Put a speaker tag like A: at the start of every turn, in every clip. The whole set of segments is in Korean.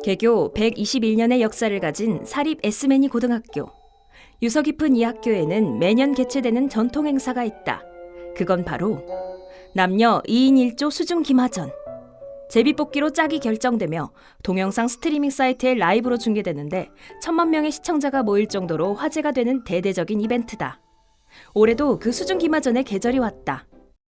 A: 개교 121년의 역사를 가진 사립 에스메니 고등학교. 유서 깊은 이 학교에는 매년 개최되는 전통 행사가 있다. 그건 바로 남녀 2인 1조 수중 기마전. 제비뽑기로 짝이 결정되며 동영상 스트리밍 사이트에 라이브로 중계되는데 1000만 명의 시청자가 모일 정도로 화제가 되는 대대적인 이벤트다. 올해도 그 수중 기마전의 계절이 왔다.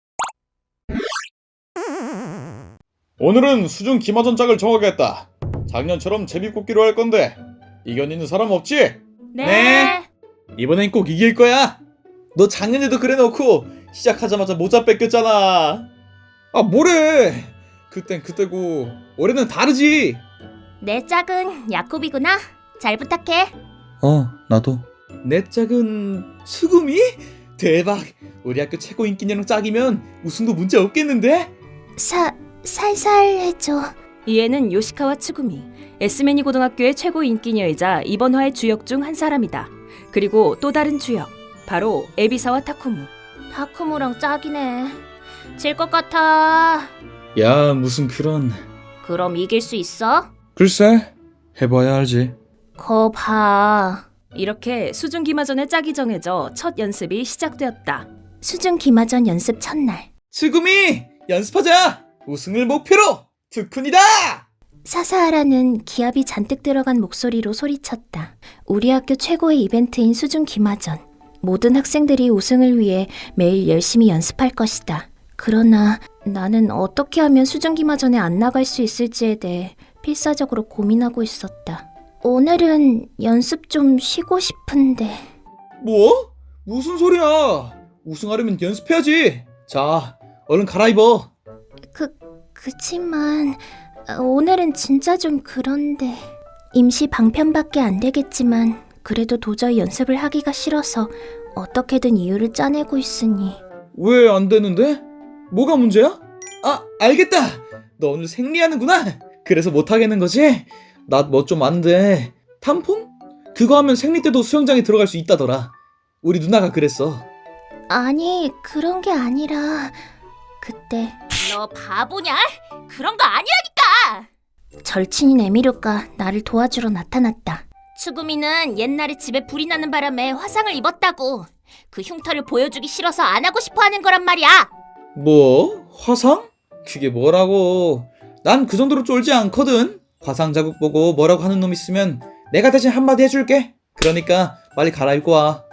B: 오늘은 수중 기마전 짝을 정하겠다. 작년처럼 제비뽑기로 할 건데 이겨내는 사람 없지?
A: 네.
B: 이번엔 꼭 이길 거야. 너 작년에도 그래놓고 시작하자마자 모자 뺏겼잖아. 아 뭐래? 그땐 그때고 올해는 다르지.
C: 내 짝은 야콥이구나. 잘 부탁해.
B: 나도. 내 짝은 수금이? 대박. 우리 학교 최고 인기녀랑 짝이면 우승도 문제 없겠는데?
C: 살살 해줘.
A: 이에는 요시카와 츠구미, 에스메니 고등학교의 최고 인기녀이자 이번 화의 주역 중 한 사람이다. 그리고 또 다른 주역, 바로 에비사와 타쿠무.
C: 타쿠무랑 짝이네. 질 것 같아.
B: 야 무슨 그런.
C: 그럼 이길 수 있어?
B: 글쎄 해봐야 알지.
C: 거 봐.
A: 이렇게 수중 기마전의 짝이 정해져 첫 연습이 시작되었다.
C: 수중 기마전 연습 첫날.
B: 츠구미 연습하자. 우승을 목표로 특훈이다.
C: 사사하라는 기합이 잔뜩 들어간 목소리로 소리쳤다. 우리 학교 최고의 이벤트인 수중 기마전. 모든 학생들이 우승을 위해 매일 열심히 연습할 것이다. 그러나 나는 어떻게 하면 수중 기마전에 안 나갈 수 있을지에 대해 필사적으로 고민하고 있었다. 오늘은 연습 좀 쉬고 싶은데.
B: 뭐? 무슨 소리야. 우승하려면 연습해야지. 자 얼른 갈아입어.
C: 그치만 오늘은 진짜 좀 그런데. 임시 방편밖에 안 되겠지만 그래도 도저히 연습을 하기가 싫어서 어떻게든 이유를 짜내고 있으니.
B: 왜 안 되는데? 뭐가 문제야? 아 알겠다. 너 오늘 생리하는구나. 그래서 못 하겠는 거지? 나 뭐 좀 아는데 탐폰? 그거 하면 생리 때도 수영장에 들어갈 수 있다더라. 우리 누나가 그랬어.
C: 아니 그런 게 아니라 그때
D: 너 바보냐? 그런 거 아니라니까!
C: 절친인 에미료가 나를 도와주러 나타났다.
D: 추구미는 옛날에 집에 불이 나는 바람에 화상을 입었다고. 그 흉터를 보여주기 싫어서 안 하고 싶어 하는 거란 말이야.
B: 뭐? 화상? 그게 뭐라고. 난 그 정도로 쫄지 않거든. 화상 자국 보고 뭐라고 하는 놈 있으면 내가 대신 한마디 해줄게. 그러니까 빨리 갈아입고 와.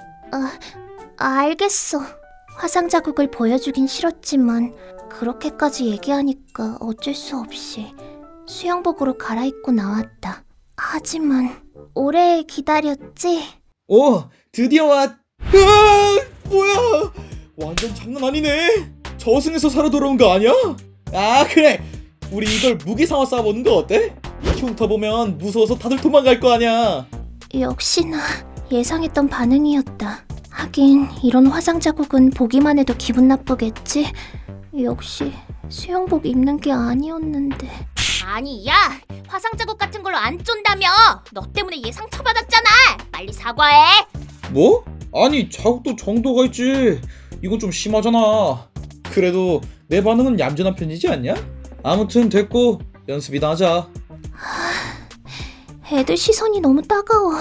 C: 알겠어. 화상 자국을 보여주긴 싫었지만 그렇게까지 얘기하니까 어쩔 수 없이 수영복으로 갈아입고 나왔다. 하지만 오래 기다렸지?
B: 오 드디어 왔. 으아! 뭐야 완전 장난 아니네. 저승에서 살아 돌아온 거 아니야? 아 그래 우리 이걸 무기 삼아 싸워보는 거 어때? 흉터 보면 무서워서 다들 도망갈 거 아니야.
C: 역시나 예상했던 반응이었다. 하긴 이런 화상 자국은 보기만 해도 기분 나쁘겠지? 역시 수영복 입는 게 아니었는데.
D: 아니 야! 화상 자국 같은 걸로 안 쫀다며! 너 때문에 얘 상처받았잖아! 빨리 사과해!
B: 뭐? 아니 자국도 정도가 있지. 이건 좀 심하잖아. 그래도 내 반응은 얌전한 편이지 않냐? 아무튼 됐고 연습이나 하자.
C: 애들 시선이 너무 따가워.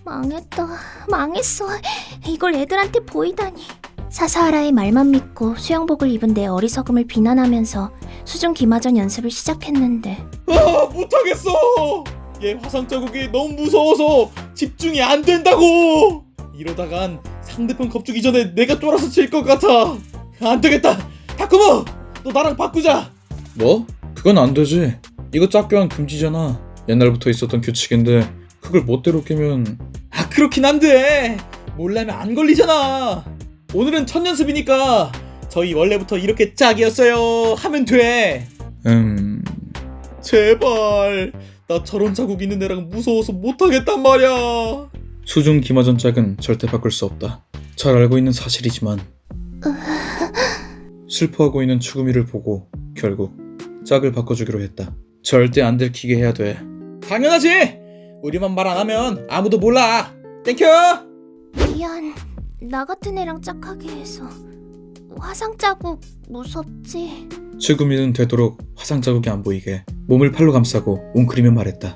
C: 망했어. 이걸 애들한테 보이다니. 사사하라의 말만 믿고 수영복을 입은 내 어리석음을 비난하면서 수중 기마전 연습을 시작했는데.
B: 아 못하겠어. 얘 화상 자국이 너무 무서워서 집중이 안 된다고. 이러다간 상대편 겁주기 전에 내가 쫄아서 질 것 같아. 안 되겠다. 타쿠모 너 나랑 바꾸자. 뭐? 그건 안 되지. 이거 짝교환 금지잖아. 옛날부터 있었던 규칙인데 그걸 멋대로 깨면. 아 그렇긴 한데 몰라면 안 걸리잖아. 오늘은 첫 연습이니까 저희 원래부터 이렇게 짝이었어요 하면 돼. 제발 나 저런 자국 있는 애랑 무서워서 못하겠단 말이야. 수중 기마전 짝은 절대 바꿀 수 없다. 잘 알고 있는 사실이지만. 슬퍼하고 있는 추구미를 보고 결국 짝을 바꿔주기로 했다. 절대 안 들키게 해야 돼. 당연하지. 우리만 말 안 하면 아무도 몰라. 땡큐.
C: 미안. 나 같은 애랑 짝하게 해서. 화상 자국 무섭지?
B: 추구미는 되도록 화상 자국이 안 보이게 몸을 팔로 감싸고 웅크리며 말했다.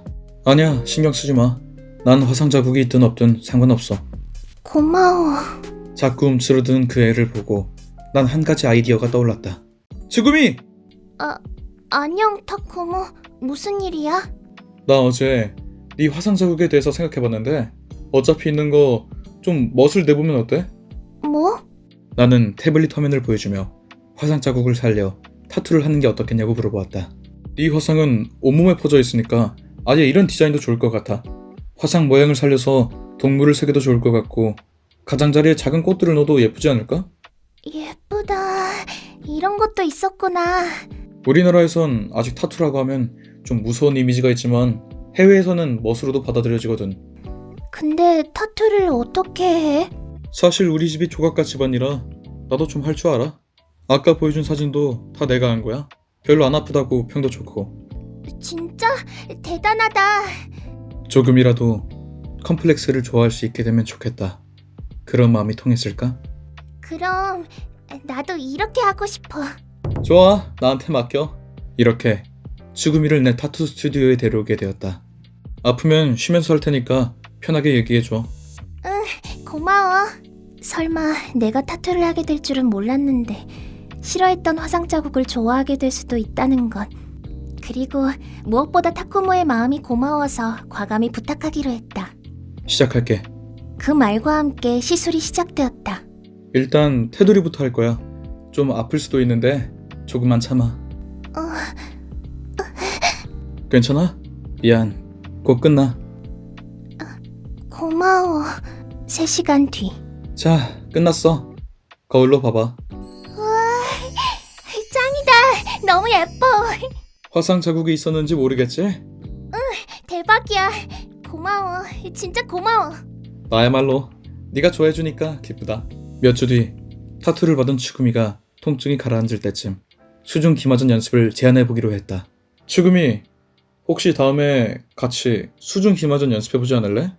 B: 아니야, 신경 쓰지 마. 난 화상 자국이 있든 없든 상관없어.
C: 고마워.
B: 자꾸 움츠러드는 그 애를 보고 난 한 가지 아이디어가 떠올랐다. 츠구미!
C: 안녕, 타쿠모. 무슨 일이야?
B: 나 어제 네 화상 자국에 대해서 생각해봤는데 어차피 있는 거 좀 멋을 내보면 어때?
C: 뭐?
B: 나는 태블릿 화면을 보여주며 화상 자국을 살려 타투를 하는 게 어떻겠냐고 물어보았다. 네 화상은 온몸에 퍼져 있으니까 아예 이런 디자인도 좋을 것 같아. 화상 모양을 살려서 동물을 새겨도 좋을 것 같고 가장자리에 작은 꽃들을 넣어도 예쁘지 않을까?
C: 예쁘다. 이런 것도 있었구나.
B: 우리나라에선 아직 타투라고 하면 좀 무서운 이미지가 있지만 해외에서는 멋으로도 받아들여지거든.
C: 근데 타투를 어떻게 해?
B: 사실 우리 집이 조각가 집안이라 나도 좀 할 줄 알아. 아까 보여준 사진도 다 내가 한 거야. 별로 안 아프다고 평도 좋고.
C: 진짜 대단하다.
B: 조금이라도 컴플렉스를 좋아할 수 있게 되면 좋겠다. 그런 마음이 통했을까?
C: 그럼 나도 이렇게 하고 싶어.
B: 좋아, 나한테 맡겨. 이렇게 츠구미를 내 타투 스튜디오에 데려오게 되었다. 아프면 쉬면서 할 테니까 편하게 얘기해줘.
C: 고마워. 설마 내가 타투를 하게 될 줄은 몰랐는데 싫어했던 화상 자국을 좋아하게 될 수도 있다는 것. 그리고 무엇보다 타쿠모의 마음이 고마워서 과감히 부탁하기로 했다.
B: 시작할게.
C: 그 말과 함께 시술이 시작되었다.
B: 일단 테두리부터 할 거야. 좀 아플 수도 있는데 조금만 참아. 괜찮아? 미안. 곧 끝나.
C: 고마워. 3시간 뒤.
B: 자, 끝났어. 거울로 봐봐.
C: 짱이다. 너무 예뻐.
B: 화상 자국이 있었는지 모르겠지?
C: 대박이야. 고마워. 진짜 고마워.
B: 나야말로 네가 좋아해주니까 기쁘다. 몇 주 뒤 타투를 받은 추구미가 통증이 가라앉을 때쯤 수중 기마전 연습을 제안해보기로 했다. 추구미, 혹시 다음에 같이 수중 기마전 연습해보지 않을래?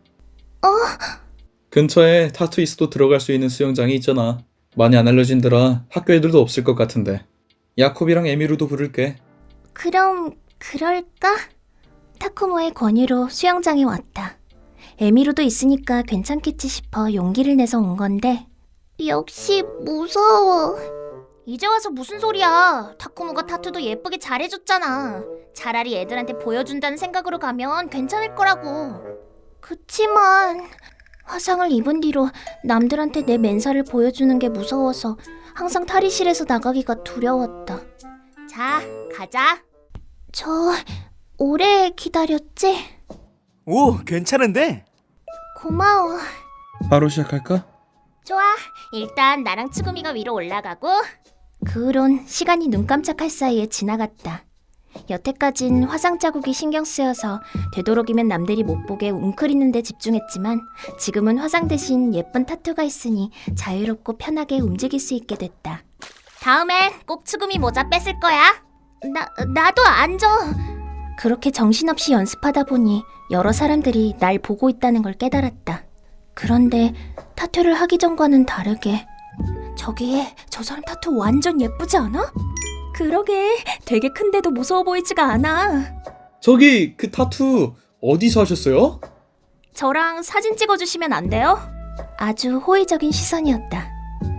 B: 근처에 타투이스도 들어갈 수 있는 수영장이 있잖아. 많이 안 알려진더라. 학교 애들도 없을 것 같은데. 야콥이랑 에미루도 부를게.
C: 그럼 그럴까? 타쿠모의 권유로 수영장에 왔다. 에미로도 있으니까 괜찮겠지 싶어 용기를 내서 온 건데 역시 무서워.
D: 이제 와서 무슨 소리야. 타쿠모가 타투도 예쁘게 잘해줬잖아. 차라리 애들한테 보여준다는 생각으로 가면 괜찮을 거라고.
C: 그치만 화상을 입은 뒤로 남들한테 내 맨살을 보여주는 게 무서워서 항상 탈의실에서 나가기가 두려웠다.
D: 자, 가자.
C: 저 오래 기다렸지?
E: 오, 괜찮은데?
C: 고마워.
B: 바로 시작할까?
D: 좋아. 일단 나랑 츠구미가 위로 올라가고.
C: 그 후론 시간이 눈 깜짝할 사이에 지나갔다. 여태까진 화상 자국이 신경 쓰여서 되도록이면 남들이 못 보게 웅크리는 데 집중했지만 지금은 화상 대신 예쁜 타투가 있으니 자유롭고 편하게 움직일 수 있게 됐다.
D: 다음엔 꼭 츠구미 모자 뺏을 거야.
C: 나도 앉아. 그렇게 정신없이 연습하다 보니 여러 사람들이 날 보고 있다는 걸 깨달았다. 그런데 타투를 하기 전과는 다르게 저기에 저 사람 타투 완전 예쁘지 않아?
A: 그러게, 되게 큰데도 무서워 보이지가 않아.
B: 저기 그 타투 어디서 하셨어요?
A: 저랑 사진 찍어주시면 안 돼요?
C: 아주 호의적인 시선이었다.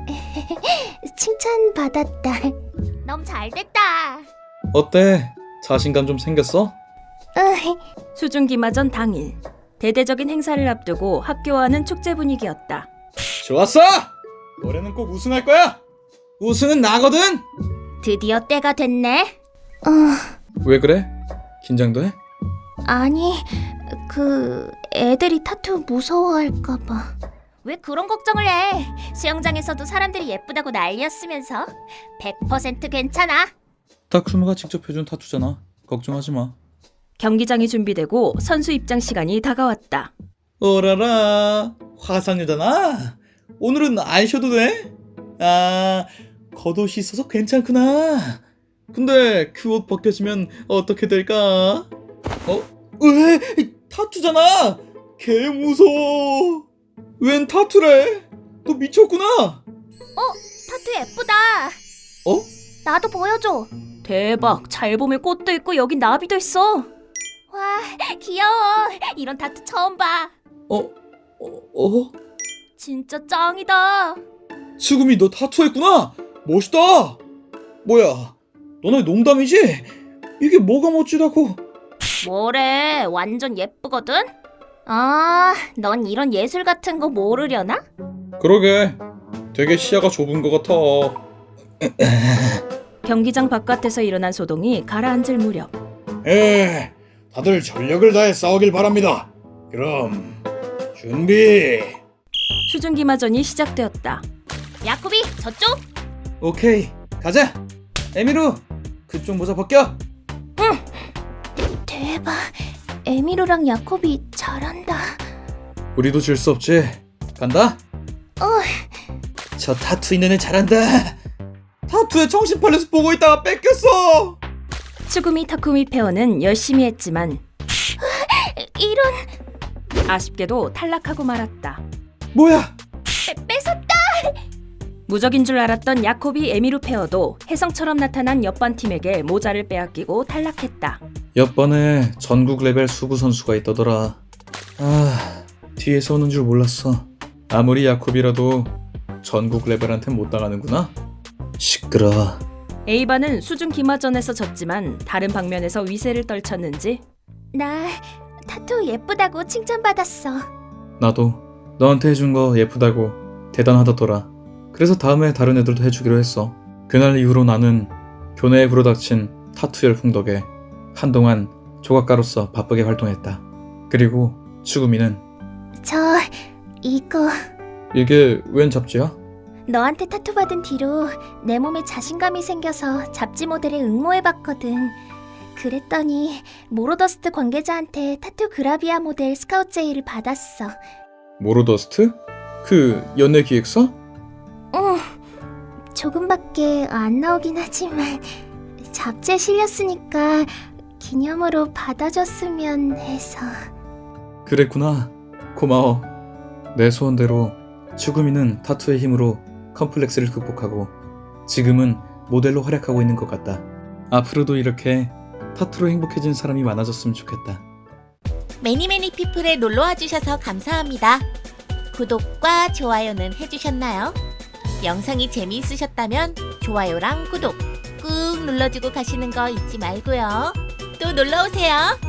C: 칭찬받았다.
D: 너무 잘됐다.
B: 어때? 자신감 좀 생겼어?
A: 수중 기마전 당일. 대대적인 행사를 앞두고 학교와는 축제 분위기였다.
B: 좋았어! 올해는 꼭 우승할 거야! 우승은 나거든!
D: 드디어 때가 됐네.
B: 왜 그래? 긴장돼?
C: 아니, 애들이 타투 무서워할까봐.
D: 왜 그런 걱정을 해? 수영장에서도 사람들이 예쁘다고 난리였으면서 100% 괜찮아.
B: 타쿠모가 직접 해준 타투잖아. 걱정하지 마.
A: 경기장이 준비되고 선수 입장 시간이 다가왔다.
B: 오라라, 화상여자나? 오늘은 안 쉬어도 돼? 아, 겉옷이 있어서 괜찮구나. 근데 그 옷 벗겨지면 어떻게 될까? 왜? 타투잖아! 개 무서워. 웬 타투래? 너 미쳤구나?
D: 타투 예쁘다.
C: 나도 보여줘.
A: 대박, 잘 보면 꽃도 있고 여긴 나비도 있어.
C: 와,
D: 와, 귀여워. 이런 타투 처음 봐. 진짜 짱이다.
B: 수금이 너 타투했구나. 멋있다. 뭐야, 너네 농담이지? 이게 뭐가 멋지다고?
D: 뭐래, 완전 예쁘거든? 아, 넌 이런 예술 같은 거 모르려나?
B: 그러게, 되게 시야가 좁은 것 같아.
A: 경기장 바깥에서 일어난 소동이 가라앉을 무렵
B: 다들 전력을 다해 싸우길 바랍니다. 그럼 준비.
A: 수중기마전이 시작되었다.
D: 야코비, 저쪽?
B: 오케이, 가자. 에미루, 그쪽 모자 벗겨.
C: 대박. 에미로랑 야콥이 잘한다.
B: 우리도 질 수 없지. 간다. 저 타투 있는 애 잘한다. 타투에 정신 팔려서 보고 있다가 뺏겼어.
A: 츠구미 타쿠미 페어는 열심히 했지만
C: 이런.
A: 아쉽게도 탈락하고 말았다.
B: 뭐야?
D: 뺏었다.
A: 무적인 줄 알았던 야코비 에미루 페어도 혜성처럼 나타난 옆반 팀에게 모자를 빼앗기고 탈락했다.
B: 옆반에 전국 레벨 수구 선수가 있더더라. 아, 뒤에서 오는 줄 몰랐어. 아무리 야콥이라도 전국 레벨한테 못 당하는구나. 시끄러워.
A: A반은 수중 기마전에서 졌지만 다른 방면에서 위세를 떨쳤는지
C: 나 타투 예쁘다고 칭찬받았어.
B: 나도 너한테 해준 거 예쁘다고 대단하다더라. 그래서 다음에 다른 애들도 해주기로 했어. 그날 이후로 나는 교내에 불어닥친 타투 열풍 덕에 한동안 조각가로서 바쁘게 활동했다. 그리고 츠구미는
C: 이거
B: 이게 웬 잡지야?
C: 너한테 타투 받은 뒤로 내 몸에 자신감이 생겨서 잡지 모델에 응모해봤거든. 그랬더니 모로더스트 관계자한테 타투 그라비아 모델 스카우트 제의를 받았어.
B: 모로더스트? 그 연예 기획사?
C: 조금밖에 안 나오긴 하지만 잡지에 실렸으니까 기념으로 받아줬으면 해서.
B: 그랬구나. 고마워. 내 소원대로 츠구미는 타투의 힘으로 컴플렉스를 극복하고 지금은 모델로 활약하고 있는 것 같다. 앞으로도 이렇게 타투로 행복해진 사람이 많아졌으면 좋겠다.
F: 매니매니 피플에 놀러와 주셔서 감사합니다. 구독과 좋아요는 해주셨나요? 영상이 재미있으셨다면 좋아요랑 구독 꾹 눌러주고 가시는 거 잊지 말고요. 또 놀러오세요.